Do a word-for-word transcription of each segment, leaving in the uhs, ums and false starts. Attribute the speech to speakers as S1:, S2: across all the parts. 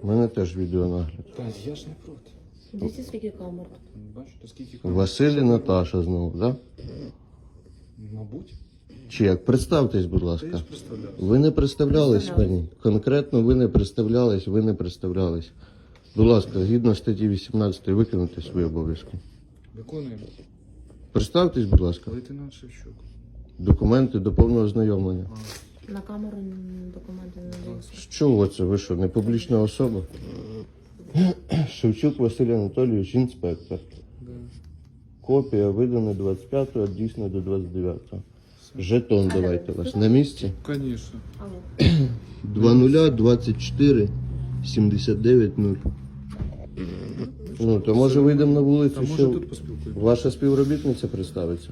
S1: У мене теж відеонагляд.
S2: Та я ж не проти.
S3: Дивіться, скільки камер.
S2: Бачите, скільки камер.
S1: Василь і Наташа знову, так?
S2: Мабуть.
S1: Чи як? Представтесь, будь
S2: Та я
S1: ласка.
S2: ж представлявся.
S1: Ви не представлялись
S3: Представлялись.
S1: мені. Конкретно ви не представлялись, ви не представлялись. Будь ласка, згідно статті вісімнадцять виконуйте свої обов'язки.
S2: Виконуємо.
S1: Представтесь, будь ласка.
S2: Лейтенант Шевчук.
S1: Документи до повного ознайомлення.
S3: На камеру м, документи не надаються.
S1: З чого це? Ви що, не публічна особа? Шевчук Василь Анатолійович, інспектор.
S2: Да.
S1: Копія видана двадцять п'ятого, дійсно до двадцять дев'ятого. Жетон давайте у вас на місці.
S2: Конечно.
S3: Алло.
S1: два нуля двадцять чотири сімдесят дев'ять нуль. Ну, то може вийдемо на
S2: Та
S1: вулицю,
S2: може
S1: що
S2: тут поспілкуємося.
S1: ваша співробітниця представиться?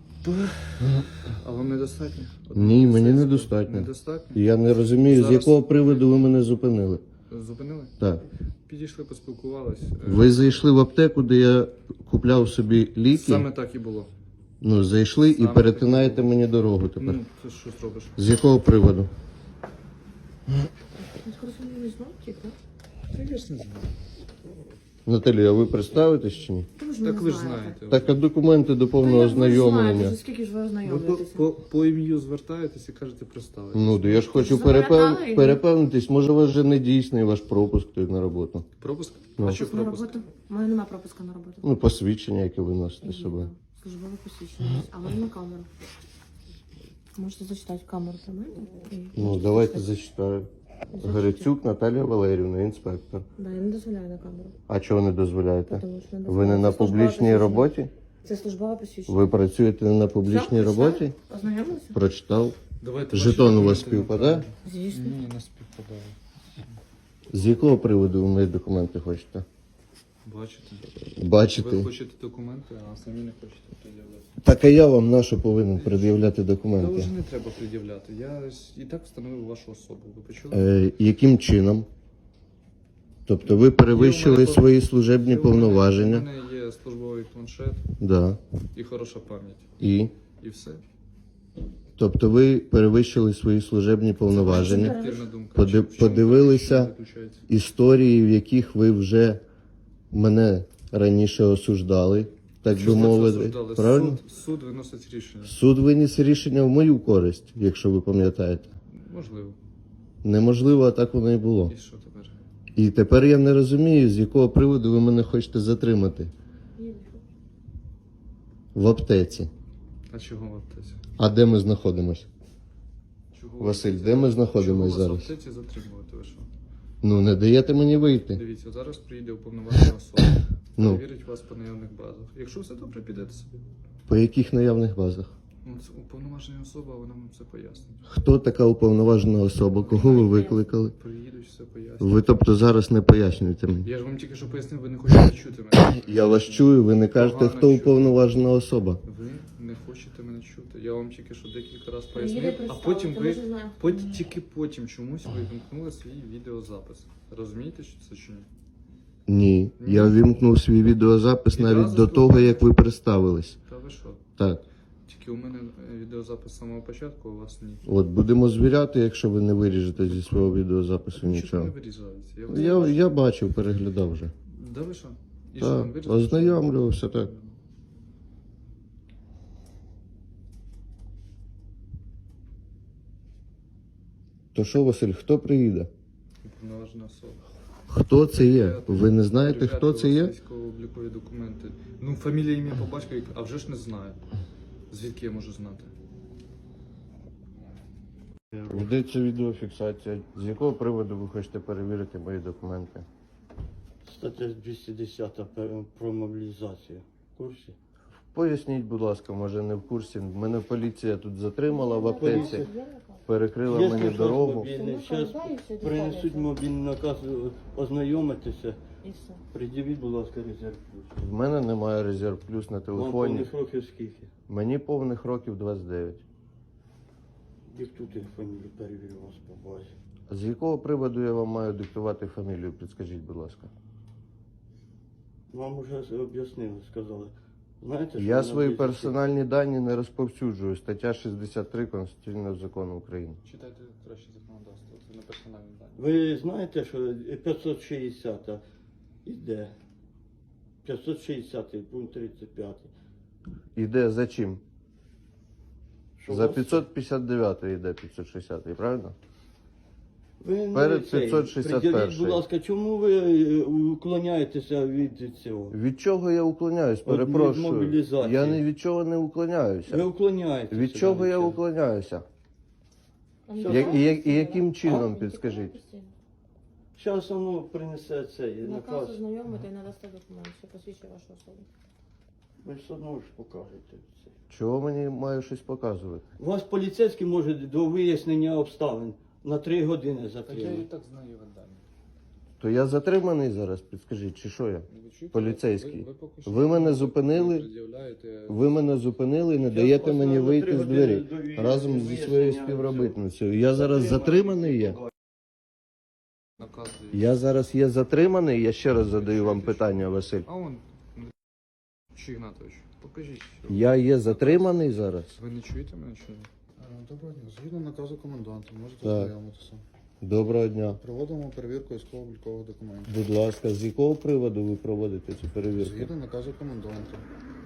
S2: А вам недостатньо?
S1: Ні, мені недостатньо.
S2: Недостатньо?
S1: Я не розумію, з
S2: Зараз-
S1: якого приводу ви мене зупинили.
S2: Зупинили?
S1: Так.
S2: Підійшли, поспілкувались. Е,
S1: Ви зайшли в аптеку, де я купляв собі ліки.
S2: Саме так і було.
S1: Ну, зайшли і
S2: Саме
S1: перетинаєте мені дорогу тепер.
S2: Ну, це що зробиш?
S1: З якого приводу?
S3: Ну, скоро не знав, тільки.
S2: Та я ж не знаю.
S1: Наталія, а ви представитесь чи ні?
S3: Та ви ж
S2: Так
S3: не
S2: ви ж
S3: знаєте.
S2: знаєте.
S1: Так, а документи до повного
S3: Та як ви ж знаєте,
S1: ознайомлення.
S3: за скільки ж ви
S2: Ви по,
S3: ознайомлюєтеся?
S2: по, по ім'ю звертаєтесь і кажете представитись.
S1: Ну, то я ж хочу
S3: Запам'ятали
S1: перепев...
S3: його?
S1: перепевнитись, може у вас вже не дійсний ваш пропуск тут на роботу.
S2: Пропуск?
S1: Ну.
S2: А що
S3: На
S2: пропуск?
S3: роботу? У мене немає пропуска на роботу.
S1: Ну, посвідчення, яке ви носите з собою.
S3: Службове посвідчення. А в мене на камеру. Можете зачитати камеру про мене? І-
S1: Ну, давайте зачитаю. Грицюк Наталія Валерівна, інспектор.
S3: Да, я не дозволяю на камеру.
S1: А чого не дозволяєте?
S3: Тому що не
S1: Ви
S3: дозволяю.
S1: не на
S3: Це службове
S1: публічній
S3: посвідчення.
S1: роботі?
S3: Це службове посвідчення.
S1: Ви працюєте не на публічній
S3: Все,
S1: роботі?
S3: прочитали? Ознайомилися?
S1: Прочитав.
S2: Давайте
S1: Жетон
S2: ваші
S1: у вас
S2: документи
S1: співпадає?
S2: направимо.
S3: Звісно.
S2: Ні, не співпадає.
S1: З якого приводу ви мої документи хочете?
S2: Бачите?
S1: Бачите?
S2: Ви хочете документи, а самі не хочете пред'являти.
S1: Так а я вам на що повинен пред'являти
S2: Та
S1: документи?
S2: вже не треба пред'являти. Я і так встановив вашу особу. Ви почули?
S1: Е, яким чином? Тобто ви перевищили
S2: Є у мене
S1: свої служебні
S2: Є у мене-
S1: повноваження?
S2: У мене є службовий планшет
S1: Да.
S2: і хороша пам'ять.
S1: І?
S2: І все.
S1: Тобто ви перевищили свої служебні повноваження,
S2: Суб'єктивна думка.
S1: Поди-
S2: Чи- в чому
S1: подивилися-
S2: вона заключається?
S1: історії, в яких ви вже мене раніше осуждали, так
S2: Що
S1: би
S2: ви це
S1: мовити.
S2: осуждали?
S1: Правильно?
S2: Суд, суд виносить рішення.
S1: Суд виніс рішення в мою користь, якщо ви пам'ятаєте.
S2: Можливо.
S1: Неможливо, а так воно і було.
S2: І що тепер?
S1: І тепер я не розумію, з якого приводу ви мене хочете затримати в аптеці.
S2: А чого в аптеці?
S1: А де ми знаходимося?
S2: Чого в
S1: Василь,
S2: аптеці?
S1: де ми
S2: Чого
S1: знаходимося
S2: вас в
S1: зараз?
S2: аптеці затримувати? Ви що?
S1: Ну, не даєте мені вийти.
S2: Дивіться, зараз приїде уповноважена особа.
S1: Ну.
S2: Перевірить вас по наявних базах. Якщо все добре, підете собі.
S1: По яких наявних базах?
S2: Ну, це уповноважена особа, вона вам все пояснить.
S1: Хто така уповноважена особа? Кого ви викликали?
S2: Приїдуть, все пояснять.
S1: Ви, тобто, зараз не пояснюєте мені.
S2: Я ж вам тільки що пояснив, ви не хочете чути мене.
S1: Я вас чую, ви не кажете,
S2: Погано
S1: хто
S2: чую.
S1: уповноважена особа.
S2: Ви не хочете мене чути. Я вам тільки що декілька разів
S3: Приїде
S2: пояснив, а
S3: представити,
S2: потім
S3: ми
S2: ви
S3: ж не знаємо, хто
S2: потім,
S3: вона.
S2: тільки потім чомусь ви вимкнули свій відеозапис. Розумієте, що це чи ні?
S1: Ні, я вімкнув свій відеозапис
S2: Відразу
S1: навіть до
S2: ж
S1: того,
S2: ви-
S1: як ви представились.
S2: Та ви що?
S1: Так,
S2: Тільки у мене е, відеозапис з самого початку, а у вас ні.
S1: от будемо звіряти, якщо ви не виріжете зі свого відеозапису
S2: Нічого
S1: нічого.
S2: не вирізається. Я,
S1: Я,
S2: вас-
S1: я бачив, переглядав вже.
S2: Да ви що? І що,
S1: Так,
S2: вам вирізали?
S1: ознайомлювався, так. То що, Василь, хто приїде?
S2: Уповноважена особа.
S1: Хто це є? Ви не знаєте,
S2: Перевіряти
S1: хто це
S2: у вас
S1: є?
S2: Військово-облікові документи. Ну, фамілія, ім'я по батькові, а вже ж не знаю. Звідки я можу знати?
S1: Ведеться відеофіксація. З якого приводу ви хочете перевірити мої документи?
S4: Стаття двісті десята пер- про мобілізацію. В курсі?
S1: Поясніть, будь ласка, може не в курсі. Мене поліція тут затримала в аптеці,
S4: Поліція.
S1: перекрила
S4: Якщо
S1: мені
S4: щось
S1: дорогу.
S4: мобільне, зараз
S3: Передаюся,
S4: принесуть
S3: деталі.
S4: мобільний наказ е, ознайомитися.
S3: І все.
S4: Придивіть, будь ласка, резерв плюс.
S1: В мене немає резерв плюс на
S4: Вам
S1: телефоні.
S4: повних років скільки?
S1: Мені повних років двадцять дев'ять.
S4: Диктуйте фамілію, перевірю вас по базі.
S1: З якого приводу я вам маю диктувати фамілію? Підскажіть, будь ласка.
S4: Вам вже об'яснили, сказали. Знаєте, що
S1: Я
S4: вона
S1: свої
S4: буде
S1: персональні дані не розповсюджую. Стаття шістдесят три Конституційного закону України.
S2: Читайте краще законодавство, це не персональні дані.
S4: Ви знаєте, що п'ятсот шістдесят іде? п'ятсот шістдесят пункт тридцять п'ять.
S1: Іде за чим?
S4: Що
S1: За
S4: вас-
S1: п'ятсот п'ятдесят дев'ять йде п'ятсот шістдесят, правильно?
S4: Ви не
S1: перед
S4: цей,
S1: п'ятсот шістдесят
S4: приділіть,
S1: перший.
S4: будь ласка, чому ви е, уклоняєтеся від цього?
S1: Від чого я уклоняюсь?
S4: Від
S1: Перепрошую.
S4: мобілізації.
S1: Я ні від чого не уклоняюся.
S4: Ви уклоняєтеся.
S1: Від чого я
S4: цього.
S1: уклоняюся?
S3: Он
S1: Я-
S3: тікає
S1: і, як- і
S3: постійно?
S1: яким чином,
S3: Він
S1: підскажіть?
S3: тікає постійно.
S4: Зараз воно принесе цей
S3: Наказ
S4: наказ.
S3: ознайомити і надасте документ, що посвідчує вашу особу.
S4: Ви все одно ж покажете це.
S1: Чого мені маю щось показувати?
S4: Вас поліцейський може до вияснення обставин на три години
S2: Так я і
S4: затримати.
S2: так знаю його дані.
S1: То я затриманий зараз, підскажіть, чи що я?
S2: Ви чуєте?
S1: Поліцейський.
S2: Ви, ви, поки що
S1: Ви мене
S2: не
S1: зупинили?
S2: пред'являєте-
S1: Ви мене зупинили і не
S4: Я
S1: даєте
S4: вас
S1: мені
S4: на
S1: вийти
S4: три
S1: з
S4: години
S1: двері
S4: довів-
S1: разом зі
S4: вияснення
S1: своєю
S4: всього.
S1: співробітницею. Я зараз затриманий є.
S2: Наказ дають.
S1: Я зараз є затриманий, я ще раз задаю вам питання, Василь.
S2: А он, чи Ігнатович, покажіть.
S1: Я є затриманий зараз?
S2: Ви не чуєте мене чи ні?
S5: Е, Доброго дня. Згідно наказу коменданта, можете
S1: Так.
S5: ознайомитися.
S1: Доброго дня.
S5: Проводимо перевірку військово-облікових документів.
S1: Будь ласка, з якого приводу ви проводите цю перевірку?
S5: Згідно наказу коменданта.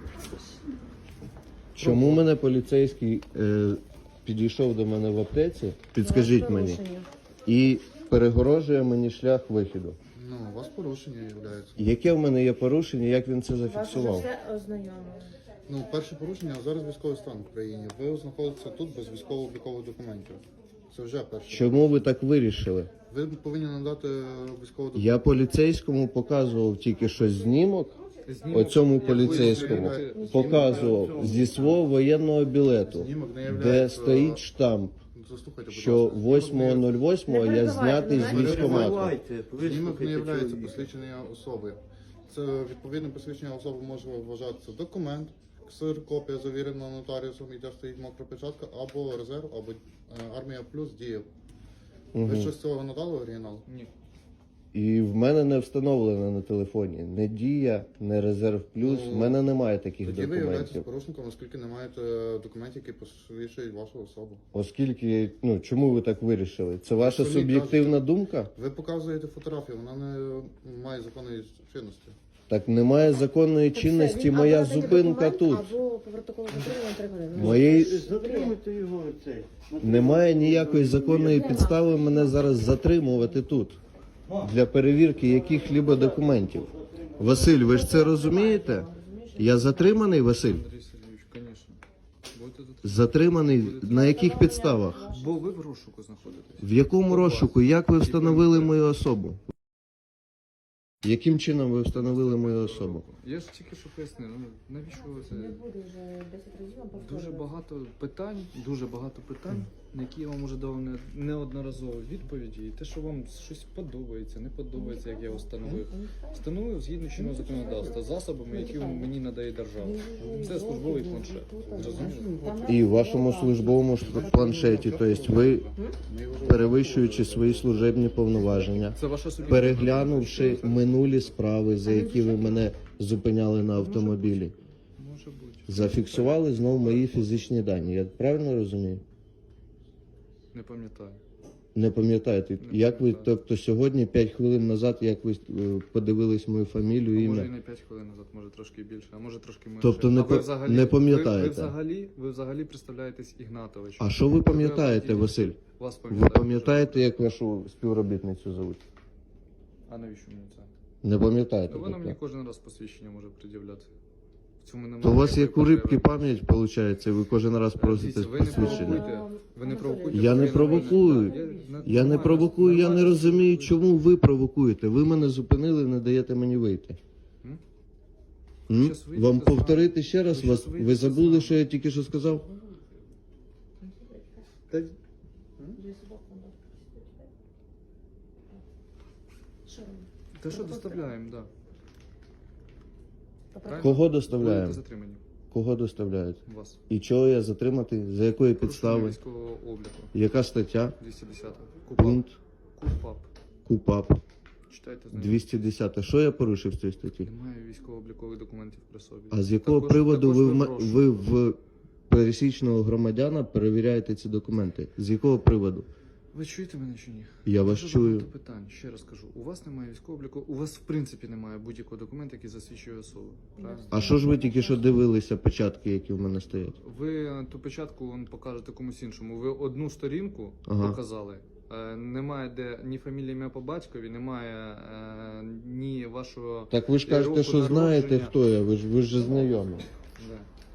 S1: Чому мене поліцейський е, підійшов до мене в аптеці, підскажіть мені,
S3: Порушення.
S1: і перегорожує мені шлях вихіду?
S5: Ну, у вас порушення є.
S1: Яке в мене є порушення, як він це
S3: Вас вже
S1: зафіксував?
S3: все ознайомили.
S5: Ну, перше порушення, а зараз військовий стан в країні. Ви знаходитеся тут без військово-облікових документів. Це вже перше.
S1: Чому ви так вирішили?
S5: Ви повинні надати військову документ.
S1: Я поліцейському показував тільки що знімок,
S2: Знімок
S1: оцьому
S2: якоїсь
S1: поліцейському
S2: перевірки-
S1: показував зі свого воєнного білету,
S5: Знімок не
S1: де
S5: являється...
S1: стоїть штамп,
S5: Заслухайте, будь
S1: що
S5: ласка.
S1: восьмого нуль восьмого я знятий з військкомату.
S5: Знімок не є посвідчення особи. Це відповідне посвідчення особи може вважатися документ, ксир, копія завірена нотаріусом, і де стоїть мокра печатка, або резерв, або е, армія плюс діє. Ви
S1: Мгм.
S5: щось з цього надали оригінал?
S2: Ні.
S1: І в мене не встановлено на телефоні не Дія, не Резерв Плюс.
S5: Ну,
S1: В мене немає таких
S5: Тоді ви являєтесь
S1: документів.
S5: порушником, оскільки не маєте документів, які посвідчують вашу особу.
S1: Оскільки, ну чому ви так вирішили? Це ваша
S5: Самі
S1: суб'єктивна думка?
S5: Ви показуєте фотографію, вона не має законної чинності.
S1: Так немає законної
S3: Так все,
S1: чинності,
S3: він
S1: моя
S3: або надає
S1: зупинка
S3: документ,
S1: тут.
S3: Або по протоколу затримання три години.
S1: Моєї-
S4: Затримуйте його цей.
S1: Немає ніякої законної підстави мене зараз затримувати тут для перевірки яких-либо документів. Василь, ви ж це розумієте? Я затриманий, Василь?
S2: Андрій Сергійович, звісно. Будете тут.
S1: Затриманий на яких підставах?
S2: Бо ви в розшуку знаходитесь.
S1: В якому розшуку? Як ви встановили мою особу? Яким чином ви встановили мою особу?
S2: Я ж тільки що пояснив, ну навіщо ви це?
S3: Не буде вже десять разів вам повторювати.
S2: Дуже багато питань, дуже багато питань, на які я вам уже дав не- неодноразово відповіді. І те, що вам щось подобається, не подобається, як я встановив. Встановив згідно чинного законодавства засобами, які мені надає держава. Це службовий планшет. Зрозуміло?
S1: І в вашому службовому ш- планшеті, тобто ви, перевищуючи свої служебні повноваження,
S2: Це ваша суб'єктивна
S1: переглянувши минулі справи, за які ви мене зупиняли на автомобілі,
S2: може бути.
S1: зафіксували знову мої фізичні дані. Я правильно розумію?
S2: Не пам'ятаю.
S1: Не пам'ятаєте, як ви, тобто сьогодні, п'ять хвилин назад, як ви е, подивились мою фамілію,
S2: А може і
S1: ім'я?
S2: не п'ять хвилин назад, може трошки більше, а може трошки менше.
S1: Тобто не
S2: А ви
S1: па-
S2: взагалі-
S1: не
S2: ви-
S1: пам'ятаєте?
S2: Ви, взагалі, ви взагалі представляєтесь Ігнатович.
S1: А що ви пам'ятаєте, Василь?
S2: Вас
S1: Ви
S2: пам'ятаю.
S1: пам'ятаєте, як вашу співробітницю зовуть?
S2: А навіщо мені це?
S1: Не пам'ятаєте?
S2: Ну, вона мені
S1: тобто?
S2: кожен раз посвідчення може пред'являти. В цьому немає.
S1: То у вас
S2: ніякої
S1: як у рибки
S2: потреби.
S1: пам'ять, виходить, і ви кожен раз просите
S2: Дивіться, ви не
S1: посвідчення.
S2: провокуйте. Ви не провокуйте.
S1: Я не
S2: ви
S1: провокую.
S2: Я,
S1: Я не провокую, я не розумію, чому ви провокуєте. Ви мене зупинили, не даєте мені вийти.
S2: М?
S1: М?
S2: Щас вийдете
S1: Вам
S2: з
S1: повторити ще раз?
S2: Ви
S1: Вас,
S2: щас
S1: ви
S2: вийдете з
S1: забули,
S2: вами.
S1: що я тільки що сказав?
S2: Та-
S3: Що робити?
S2: Та що доставляємо, так.
S3: По
S2: Правильно?
S1: Кого
S2: Будете
S1: доставляємо?
S2: затримані.
S1: Кого доставляють?
S2: Вас.
S1: І чого я затримати? За якої
S2: Порушення
S1: підстави?
S2: військового обліку.
S1: Яка стаття?
S2: двісті десята. Купап.
S1: Пункт?
S2: Купап.
S1: КУПАП.
S2: Читайте з нею.
S1: двісті десята. Що я порушив в цій статті?
S2: Немає військово-облікових документів при собі.
S1: А з якого
S2: Також-
S1: приводу
S2: також
S1: ви, в ме-
S2: прошу.
S1: ви в пересічного громадяна перевіряєте ці документи? З якого приводу?
S2: Ви чуєте мене чи ні?
S1: Я вас
S2: Дуже
S1: чую.
S2: багато питань. Ще раз кажу. У вас немає військового обліку, у вас в принципі немає будь-якого документу, який засвідчує особу. Правильно?
S1: А що ж ви тільки що дивилися печатки, які в мене стоять?
S2: Ви ту печатку вон, покажете комусь іншому. Ви одну сторінку
S1: Ага.
S2: показали. Е, немає де ні фамілії, ім'я по батькові, немає е, ні вашого.
S1: Так ви ж
S2: року
S1: кажете, що
S2: народження.
S1: знаєте, хто я, ви ж ви ж знайомі.
S2: Да.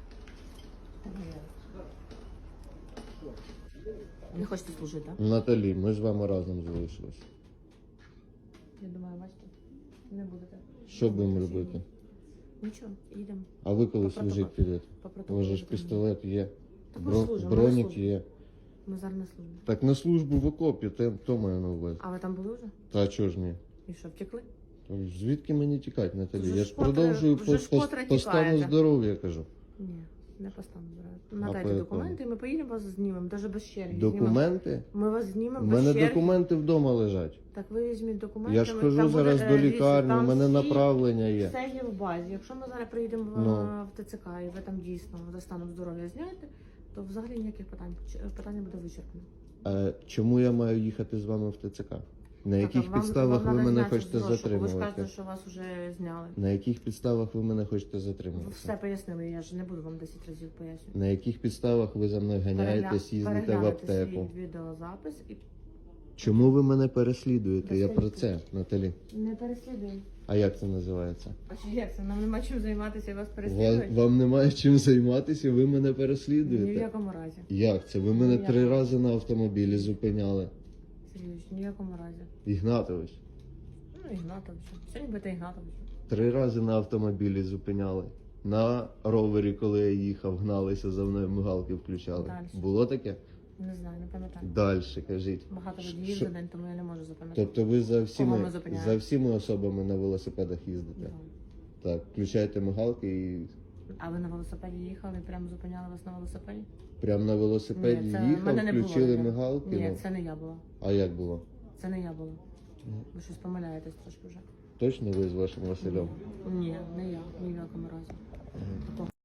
S3: Не хочете служити, так?
S1: Наталі, ми з вами разом залишились.
S3: Я думаю, бачите, не будете.
S1: Що будемо робити?
S3: Нічого, їдемо.
S1: А ви коли
S3: По
S1: служити
S3: протоколу.
S1: підете?
S3: По
S1: У
S3: протоколу.
S1: вас же ж пістолет є,
S3: Так ми
S1: бро-
S3: служимо, ми
S1: бронік
S3: служимо.
S1: є.
S3: Ми зараз на службі.
S1: Так на службу в окопі, те- то маю на увазі.
S3: А ви там були вже?
S1: Та чого ж ні?
S3: І що, втекли?
S1: То Звідки мені тікати, Наталі?
S3: Вже
S1: Я
S3: ж
S1: ж
S3: котре-
S1: продовжую
S3: вже
S1: по,
S3: ж
S1: по,
S3: котре
S1: по стану
S3: тікаєте.
S1: здоров'я, кажу.
S3: Ні, не постану брати.
S1: по
S3: Надайте
S1: якому?
S3: документи, і ми поїдемо вас знімемо, навіть без черги.
S1: Документи?
S3: Знімемо. Ми вас
S1: У
S3: знімемо без
S1: мене
S3: черги.
S1: документи вдома лежать.
S3: Так ви візьміть документи.
S1: Я ж
S3: ми-
S1: хожу
S3: там буде,
S1: зараз
S3: е,
S1: до
S3: дивіться,
S1: лікарні, у
S3: там
S1: мене
S3: всі-
S1: направлення є.
S3: Все є в базі. Якщо ми зараз приїдемо в,
S1: Ну.
S3: в ТЦК і ви там дійсно за станом здоров'я знаєте, то взагалі ніяких питань. Ч- Питання буде вичерпано.
S1: А чому я маю їхати з вами в ТЦК? На
S3: Так,
S1: яких
S3: а вам-
S1: підставах
S3: вам
S1: ви
S3: надо
S1: мене
S3: зняти
S1: хочете
S3: з розшуку. Ви ж
S1: затримувати?
S3: кажете, що вас вже зняли.
S1: На яких підставах ви мене хочете
S3: Ви
S1: затримувати?
S3: все пояснили, я ж не буду вам десять разів пояснювати.
S1: На яких підставах ви за мною ганяєтесь, їздите в
S3: Переглянете
S1: аптеку?
S3: свій відеозапис і
S1: Чому ви мене переслідуєте? Я про це,
S3: Переслідуєте.
S1: Наталі.
S3: не переслідуємо.
S1: А як це називається?
S3: А чи як це? Нам нема чим займатися і вас
S1: Вам,
S3: переслідують?
S1: вам немає чим займатися, ви мене
S3: Ні в
S1: переслідуєте.
S3: якому разі.
S1: Як це? Ви мене
S3: Ніякого.
S1: три рази на автомобілі зупиняли.
S3: Сергійович, ні в якому разі.
S1: Ігнатович.
S3: Ну, Ігнатович. Сьогодні будете Ігнатович.
S1: Три рази на автомобілі зупиняли. На ровері, коли я їхав, гналися за мною, мигалки включали.
S3: Дальше.
S1: Було таке?
S3: Не знаю, не пам'ятаю.
S1: Далі кажіть.
S3: Багато
S1: Що-
S3: водіїв за день, тому я не можу запам'ятати.
S1: Тобто ви за
S3: Кого
S1: всіми,
S3: ми зупиняємо?
S1: за всіми особами на велосипедах їздите?
S3: Да.
S1: Так, включаєте мигалки і
S3: А ви на велосипеді їхали і прямо зупиняли вас на велосипеді?
S1: прямо на велосипеді
S3: Ні, це в
S1: їхав,
S3: мене не було
S1: включили
S3: таке.
S1: мигалки.
S3: Ні,
S1: ну.
S3: це не я була.
S1: А як було?
S3: Це не я була. Ви щось помиляєтесь трошки вже.
S1: Точно ви з вашим Василем?
S3: Ні, не я, ні в якому разі.